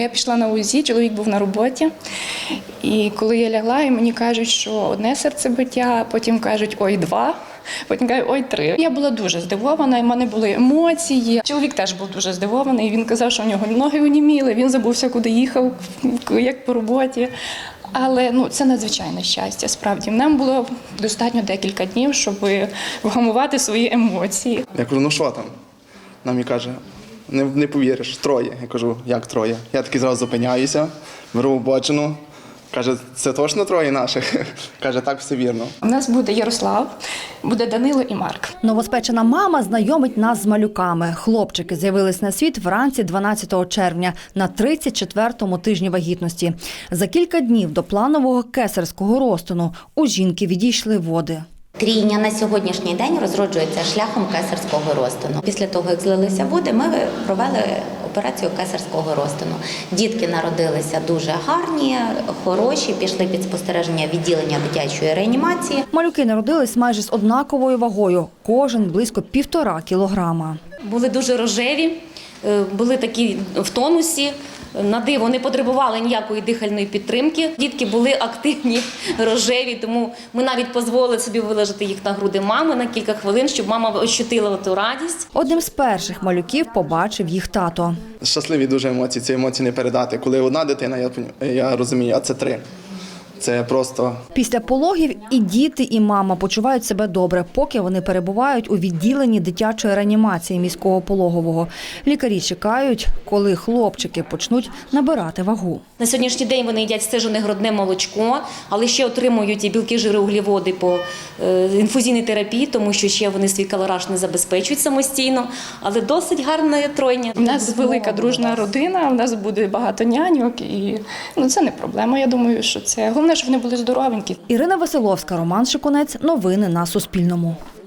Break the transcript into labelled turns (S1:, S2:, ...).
S1: Я пішла на УЗІ, чоловік був на роботі. І коли я лягла, і мені кажуть, що одне серцебиття, потім кажуть, ой, два. Потім кажуть, ой, 3. Я була дуже здивована, і в мене були емоції. Чоловік теж був дуже здивований, він казав, що в нього ноги оніміли, він забувся, куди їхав, як по роботі. Але це надзвичайне щастя, справді. Нам було достатньо декілька днів, щоб вгамувати свої емоції.
S2: Я кажу, ну що там? Нам і каже, не повіриш, 3. Я кажу, як 3? Я таки зразу зупиняюся, беру обочину. Каже, це точно 3 наших? Каже, так, все вірно.
S1: У нас буде Ярослав, буде Данило і Марк.
S3: Новоспечена мама знайомить нас з малюками. Хлопчики з'явились на світ вранці 12 червня на 34-му тижні вагітності. За кілька днів до планового кесарського розтину у жінки відійшли води.
S4: Трійня на сьогоднішній день розроджується шляхом кесарського розтину. Після того, як злилися води, ми провели операцію кесарського розтину. Дітки народилися дуже гарні, хороші, пішли під спостереження відділення дитячої реанімації.
S3: Малюки народились майже з однаковою вагою, кожен близько 1,5 кілограма.
S5: Були дуже рожеві, були такі в тонусі. На диво не потребували ніякої дихальної підтримки. Дітки були активні, рожеві, тому ми навіть дозволили собі виложити їх на груди мами на кілька хвилин, щоб мама ощутила ту радість.
S3: Одним з перших малюків побачив їх тато.
S2: Щасливі дуже емоції, ці емоції не передати. Коли одна дитина, я розумію, а це 3. Це просто…
S3: Після пологів і діти, і мама почувають себе добре, поки вони перебувають у відділенні дитячої реанімації міського пологового. Лікарі чекають, коли хлопчики почнуть набирати вагу.
S5: На сьогоднішній день вони їдять стежене грудне молочко, але ще отримують і білки, жири, углеводи по інфузійній терапії, тому що ще вони свій калораж не забезпечують самостійно, але досить гарна тройня.
S1: У нас велика дружна родина, у нас буде багато няньок, і це не проблема. Я думаю, що це головне, щоб вони були здоровенькі.
S3: Ірина Василовська, Роман Шикунець. Новини на Суспільному.